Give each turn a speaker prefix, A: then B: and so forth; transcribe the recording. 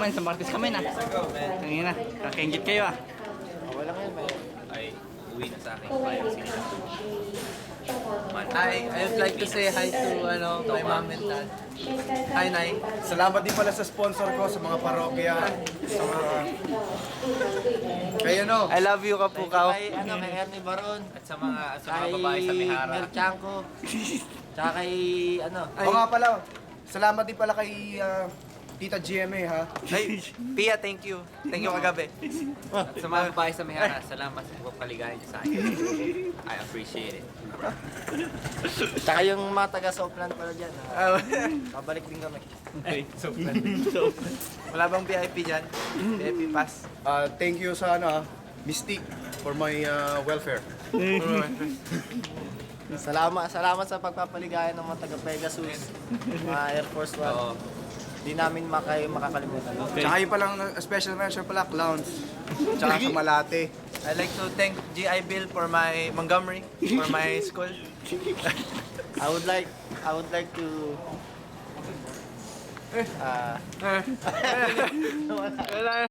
A: man, sa Martes kami na. Tingin na, kakengit kayo ah.
B: Wala ngayon, may...
C: Ay, uwi na sa akin. Bayan sila.
B: I would like to say hi to my mom and dad. Hi, Nay.
D: Salamat din pala sa sponsor ko, sa mga parokya, sa mga... Kayo no?
B: I love you, Kapukaw.
E: Kay Ernie Baron,
C: At sa mga
E: kay
C: babae sa Mihara.
E: Mel Chanco, tsaka kay
D: Oo nga pala, salamat din pala kay Tita GMA ha.
B: Ay, Pia, thank you. Thank you kagabi.
C: At sa mga babae sa Mihara, salamat sa pagpapaligayan niyo sa akin. I appreciate it.
E: tsaka yung mga taga-Soplan pala dyan. Pabalik din kami.
C: Okay, so
B: Wala bang VIP dyan? VIP pass.
D: Thank you sa Mystique for my welfare.
E: Salamat sa pagpapaligayan ng mga taga-Pegasus, mga Air Force One.
C: Oo.
E: Di namin makakalimutan.
D: Tsaka yung palang special mention pala, clowns. Tsaka sa Malate.
B: I'd like to thank GI Bill for my Montgomery, for my school.
E: I would like to